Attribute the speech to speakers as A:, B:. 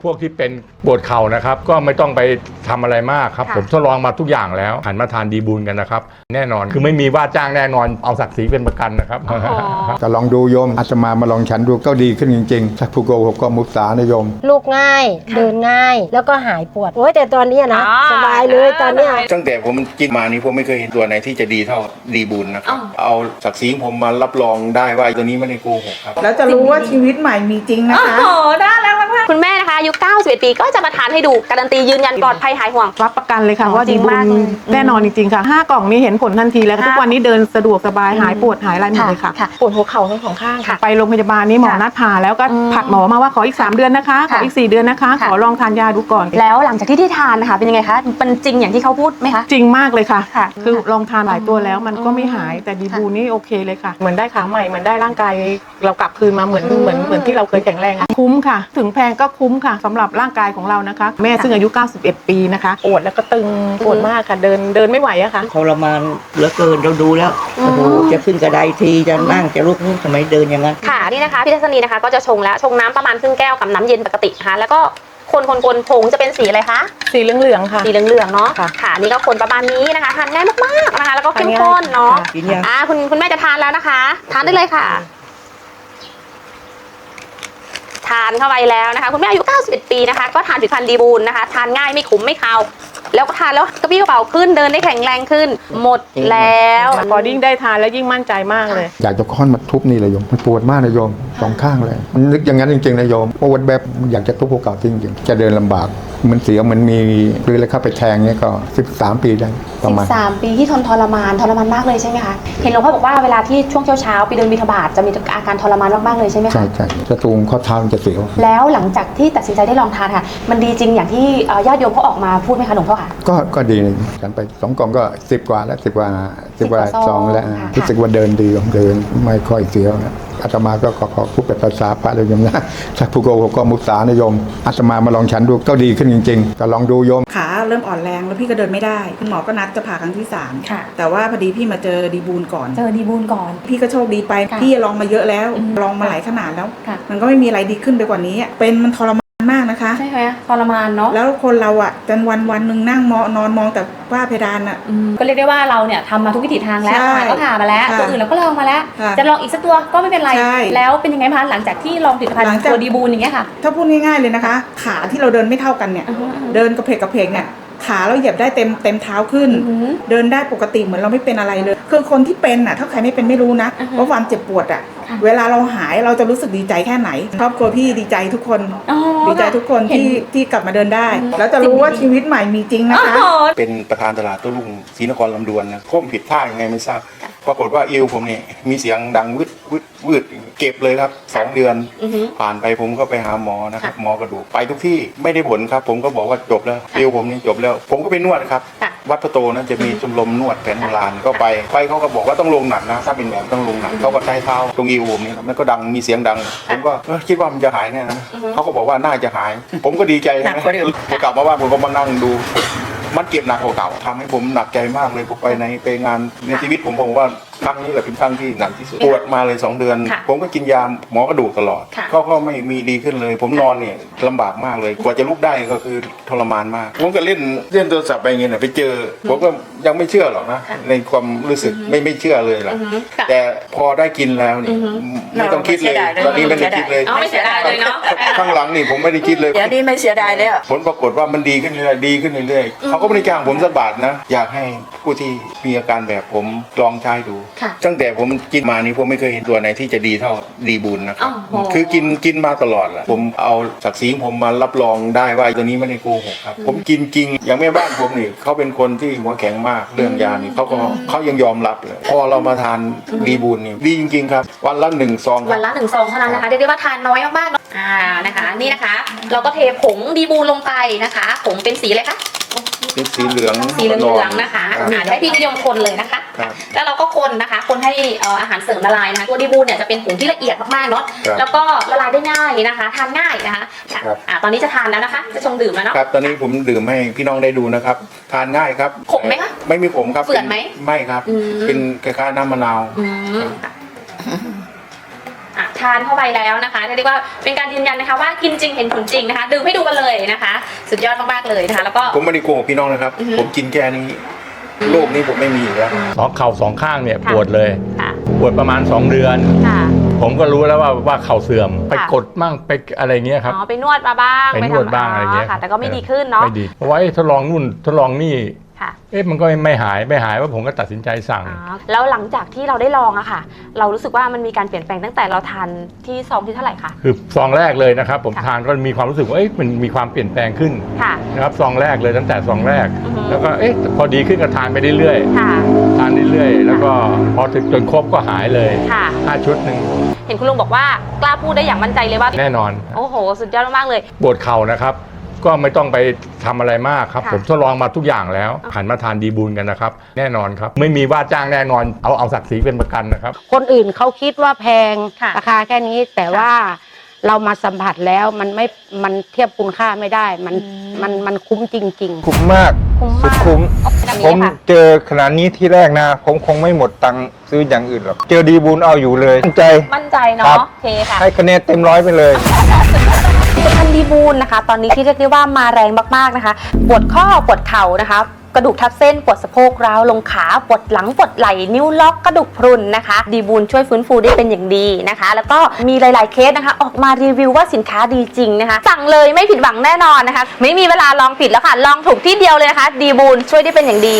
A: พวกที่เป็นปวดเข่านะครับก็ไม่ต้องไปทำอะไรมากครับผมทดลองมาทุกอย่างแล้วหันมาทานดีบูลกันนะครับแน่นอนคือไม่มีว่าจ้างแน่นอนเอาศักดิ์ศรีเป็นประกันนะครับ
B: จะลองดูโยมอาตมาลองฉันดูก็ดีขึ้นจริงๆถ้าผู้โกหกก็มุสานะโยม
C: ลูกง่ายเดินง่ายแล้วก็หายปวดโอ้ยแต่ตอนนี้นะสบายเลยตอนนี้
D: ตั้งแต่ผมกินมานี้ผมไม่เคยเห็นตัวไหนที่จะดีเท่าดีบูลนะครับเอาศักดิ์ศรีผมมารับรองได้ว่าตัวนี้ไม่ได้โกหกครับ
E: แล้วจะรู้ว่าชีวิตใหม่มีจริงนะคะ
F: โอ้โหได้แล้วมากๆคุณแม่นะคะอายุ91 ปีก็จะมาทานให้ดูการันตียืนยันปลอดภัยหายห่วง
G: รับประกันเลยค่ะว่า
F: จริ
G: ดี
F: ง
G: บุ
F: มาก
G: ญแน่นอนจริงๆค่ะ5 กล่องนี้เห็นผลทันทีแล้วทุกวันนี้เดินสะดวกสบายหายปวดหายอะไรหมดเลยค่ะ
C: ปวดหัวเข่าทั้งสองข้างค่ะ
G: ไปโรงพยาบาลนี้หมอนัดผ่าแล้วก็ผัดหมอมาว่าขออีก3 เดือนนะคะขออีก4 เดือนนะคะขอลองทานยาดูก่อน
F: แล้วหลังจากที่ทานนะคะเป็นยังไงคะมันจริงอย่างที่เขาพูดไหมคะ
G: จริงมากเลยค่ะคือลองทานหลายตัวแล้วมันก็ไม่หายแต่ดีบูนี่โอเคเลยค่ะเหมือนได้ขาใหม่เหมือนได้ร่างกายเรากลับคืนมาเหมือนที่เราเคยแข็งแรงคุ้มค่ะถึงแพงก็คุ้มค่ะสำหรับร่างกายของเรานะคะแม่ซึ่งอายุ91 ปีนะคะปวดแล้วก็ตึงปวดมากค่ะเดินไม่ไหวอะค่ะ
H: ทรมานเหลือเกินเราดูแล้วโอ้โหจะขึ้นกระไดทีจะนั่งจะลุกทำไมเดินอย่างนั้น
F: ค่ะนี่นะคะพี่ทัศนีนะคะก็จะชงแล้วชงน้ำประมาณครึ่งแก้วกับน้ำเย็นปกตินะคะแล้วก็คนผงจะเป็นสีอะไรคะ
G: สีเหลืองๆค่ะ
F: สีเหลืองๆเนาะค่ะนี่ก็คนประมาณนี้นะคะทานง่ายมากๆนะคะแล้วก็เข้มข้นเนาะคุณแม่จะทานแล้วนะคะทานได้เลยค่ะทานเข้าไปแล้วนะคะคุณแม่อายุ91 ปีนะคะก็ทานผลิตภัณฑ์ดีบูลนะคะทานง่ายไม่ขมไม่คาวแล้วก็ทานแล้วกระปี้กระเป๋าขึ้นเดินได้แข็งแรงขึ้นหมดแล้ว
G: พอยิ่งได้ทานแล้วยิ่งมั่นใจมากเลย
B: อยากจะค้อนมาทุบนี่เลยโยมมันปวดมากนะโยม2 ข้างเลยมันนึกอย่างนั้นจริงๆนะโยมปวดแบบอยากจะทุบหัวเข่าจริงๆจะเดินลำบากมันเสียวมันมีหรืออะไรเข้าไปแทงเนี่ยก็13 ปีได้ประมาณ
F: 13 ปีที่ทรมานมากเลยใช่ไหมคะเห็นหลวงพ่อบอกว่าเวลาที่ช่วงเช้าไปเดินบิณฑบาตจะมีอาการทรมานมากๆเลยใช่ไหมคะ
B: ใช่จะตูงข้อเท้าจะเสียว
F: แล้วหลังจากที่ตัดสินใจได้ลองทานค่ะมันดีจริงอย่างที่ญาติโยมเขาออกมาพูดไหมคะหลวงพ่อค่ะ
B: ก็ดีฉันไป2 กล่องก็10 กว่าแล้ว10 กว่าซองแล้วรู้สึกว่าเดินดีเดินไม่ค่อยเสียวนะอาตมาก็ขอพูดเป็นภาษาพระเลยโยมนะถ้าผู้โกหกก็มุสานะโยมอาตมาลองฉันดูก็ดีขึ้นจริงๆก็ลองดูโยม
E: ขาเริ่มอ่อนแรงแล้วพี่ก็เดินไม่ได้คุณหมอก็นัดจะผ่าครั้งที่3แต่ว่าพอดีพี่มาเจอดีบูลก่อนพี่ก็โชคดีไปพี่ลองมาเยอะแล้วลองมาหลายขนาดแล้วมันก็ไม่มีอะไรดีขึ้นไปกว่านี้เป็นมันทรมานมากนะคะ
F: ใช่ไหมทรมานเนาะ
E: แล้วคนเราอ่ะจนวันหนึ่งนั่งนอนมองแต่ฝ้าเพดานอ่ะ
F: ก็เรียกได้ว่าเราเนี่ยทำมาทุกวิถีทางแล้วก็ผ่ามาแล้วตัวอื่นเราก็ลองมาแล้วจะลองอีกสักตัวก็ไม่เป็นไรแล้วเป็นยังไงคะหลังจากที่ลองผลิตภัณฑ์ตัวดีบูลอย่างเงี้ยค่ะ
E: ถ้าพูดง่ายๆเลยนะคะขาที่เราเดินไม่เท่ากันเนี่ยเดินกระเพกเนี่ยขาเราเหยียบได้เต็มเท้าขึ้นเดินได้ปกติเหมือนเราไม่เป็นอะไรเลยคือคนที่เป็นอ่ะถ้าใครไม่เป็นไม่รู้นะว่าความเจ็บปวดอ่ะเวลาเราหายเราจะรู้สึกดีใจแค่ไหนครอบครัวพี่ดีใจทุกคนดีใจทุกคนที่กลับมาเดินได้แล้วจะรู้ว่าชีวิตใหม่มีจริงนะคะ
D: เป็นประธานตลาดโต้รุ่งศรีนครลำดวนนะผมผิดท่ายังไงไม่ทราบปรากฏว่าเอวผมเนี่ยมีเสียงดังวืดเก็บเลยครับ2 เดือนผ่านไปผมก็ไปหาหมอนะครับหมอกระดูกไปทุกที่ไม่ได้ผลครับผมก็บอกว่าจบแล้วเอวผมนี่จบแล้วผมก็ไปนวดครับวัดพระโตนะจะมีชมรมนวดแผนโบราณก็ไปเขาก็บอกว่าต้องลงหนักนะถ้าเป็นแบบต้องลงหนักเขาก็ใช้เท้าตรงเอวผมนี่มันก็ดังมีเสียงดังผมก็คิดว่ามันจะหายแน่นะเขาก็บอกว่าน่าจะหายผมก็ดีใจนะพอกลับมาบ้านผมก็มานั่งดูมันเก็บหนักกว่าเก่าทำให้ผมหนักใจมากเลยผมไปงานในชีวิตผมว่าครั้งนี้แหละเป็นครั้งที่หนักที่สุดปวดมาเลย2 เดือนผมก็กินยาหมอกระดูกตลอดก็ไม่มีดีขึ้นเลยผมนอนเนี่ยลำบากมากเลยกว่าจะลุกได้ก็คือทรมานมากผมก็เล่นโทรศัพท์ไปเงี้ยไปเจอผมก็ยังไม่เชื่อหรอกนะในความรู้สึกไม่เชื่อเลยล่ะแต่พอได้กินแล้วนี่ไม่ต้องคิดเลยตอนนี้ไม่ได้คิดเลย
F: ไม่เสียดายเลยเนาะ
D: ข้างหลังนี่ผมไม่ได้คิดเลย
H: เดี๋ยวนี้ไม่เสียดายแล้ว
D: ผลปรากฏว่ามันดีขึ้นเรื่อยเขาก็ไม่ได้จ้างผมสักบาทนะอยากให้ผู้ที่มีอาการแบบผมลองใช้ดูตั้งแต่ผมกินมานี้ผมไม่เคยเห็นตัวไหนที่จะดีเท่าดีบูลนะครับคือกินมาตลอดแหละผมเอาศักดิ์ศรีผมมารับรองได้ว่าตัวนี้ไม่ได้โกหกครับผมกินจริงอย่างแม่บ้านผมนี่เขาเป็นคนที่หัวแข็งมากเรื่องยานี่เขายังยอมรับเลยพอเรามาทานดีบูลนี่ดีจริงๆครับวันละ1 ซอง
F: วันละ1 ซองเท่านั้นนะคะเรียกได้ว่าทานน้อยมากๆนะคะนี่นะคะเราก็เทผงดีบูลลงไปนะคะผงเป็นสีอะไรคะ
D: เป็นสีเหลือง
F: นะคะให้พี่นิยมคนเลยนะคะแล้วเราก็คนนะคะคนให้อาหารเสริมละลายนะคะตัวดีบูลเนี่ยจะเป็นผงที่ละเอียดมากๆเนาะแล้วก็ละลายได้ง่ายนะคะทานง่ายนะคะตอนนี้จะทานแล้วนะคะจะชงดื่มแล้วเนาะ
D: ครับตอนนี้ผมดื่มให้พี่น้องได้ดูนะครับทานง่ายครับ
F: ขมไหมคะ
D: ไม่มีขมครับ
F: เฝื่อนไหม
D: ไม่ครับเป็นคล้ายๆน้ำมะนาว
F: ททานเข้าไปแล้วนะคะเรียกว่าเป็นการยืนยันนะคะว่ากินจริงเห็นผลจริงนะคะดื่มให้ดูกันเลยนะคะ สุดยอดมากๆเลยนะคะแล้วก็
D: ผมไม่ได้โกหกพี่น้องนะครับ ผมกินแค่นี้โรคนี้ผมไม่มีอีกแล้ว
A: เข่าสองข้างเนี่ย
F: ค่ะ
A: ปวดเลย
F: ค่ะ
A: ปวดประมาณ 2 เดือน
F: ค่ะ
A: ผมก็รู้แล้วว่าเข่าเสื่อมไปกดมั่งไปอะไรเงี้ยครับ
F: อ๋อไปนวดมาบ้าง
A: ไปนวดบ้างอะไรเงี้ย
F: ค่ะ แต่ก็ไม่ดีขึ้นเนาะ
A: ไม่ดีเพราะว่าทดลองนู่นทดลองนี่
F: ค่ะ
A: มันก็ไม่หายว่าผมก็ตัดสินใจสั่ง
F: แล้วหลังจากที่เราได้ลองอะค่ะ เรารู้สึกว่ามันมีการเปลี่ยนแปลงตั้งแต่เราทานที่ซองที่เท่าไหร่คะ
A: คือซองแรกเลยนะครับ ผม
F: ค่ะ
A: ทานก็มีความรู้สึกว่ามันมีความเปลี่ยนแปลงขึ้น
F: ค่ะ
A: นะครับซองแรกเลยตั้งแต่ซองแรก
F: อือฮึ
A: แล้วก็พอดีขึ้นก็ทานไปเรื่อย
F: ค่ะ
A: ๆทานเรื่อยๆแล้วก็พอถึงจนครบก็หายเลย
F: ค่ะ
A: 5 ชุดหนึ่ง
F: เห็นคุณลุงบอกว่ากล้าพูดได้อย่างมั่นใจเลยว่า
A: แน่นอน
F: โอ้โห สุดยอดมากๆเลย
A: ปวดเข่านะครับ ก็ไม่ต้องไปทำอะไรมากครับ
F: ค่ะ
A: ผมทดลองมาทุกอย่างแล้วหันมาทานดีบูลกันนะครับ แน่นอนครับ ไม่มีว่าจ้างแน่นอนเอาศักดิ์ศรีเป็นประกันนะครับ
C: คนอื่นเขาคิดว่าแพง
F: ค่ะ
C: ราคาแค่นี้แต่ว่าเรามาสัมผัสแล้วมันเทียบคุณค่าไม่ได้มันคุ้มจริง ๆ
I: คุ้มมาก
F: คุ้ม
I: สุ
F: มา
I: ด
F: ก
I: คุ้ม
F: แบบ
I: ผ
F: นี้
I: ม
F: ค่ะ
I: เจอขนาดนี้ที่แรกนะ ผมคงไม่หมดตังค์ซื้ออย่างอื่นหรอก เจอดีบูลเอาอยู่เลยมั่นใจ
F: มั่นใจ
I: ครั
F: เนาะ
I: บ
F: โอเคค่ะ
I: ให้คะแนนเต็ม100ไปเลย
F: ผลิตภัณฑ์ดีบูลนะคะ ตอนนี้ที่เรียกได้ว่ามาแรงมากๆนะคะ ปวดข้อปวดเข่านะคะ กระดูกทับเส้นปวดสะโพกร้าวลงขาปวดหลังปวดไหล่นิ้วล็อกกระดูกพรุนนะคะดีบูลช่วยฟื้นฟูได้เป็นอย่างดีนะคะ แล้วก็มีหลายๆเคสนะคะ ออกมารีวิวว่าสินค้าดีจริงนะคะ สั่งเลยไม่ผิดหวังแน่นอนนะคะ ไม่มีเวลาลองผิดแล้วค่ะลองถูกที่เดียวเลยนะคะดีบูลช่วยได้เป็นอย่างดี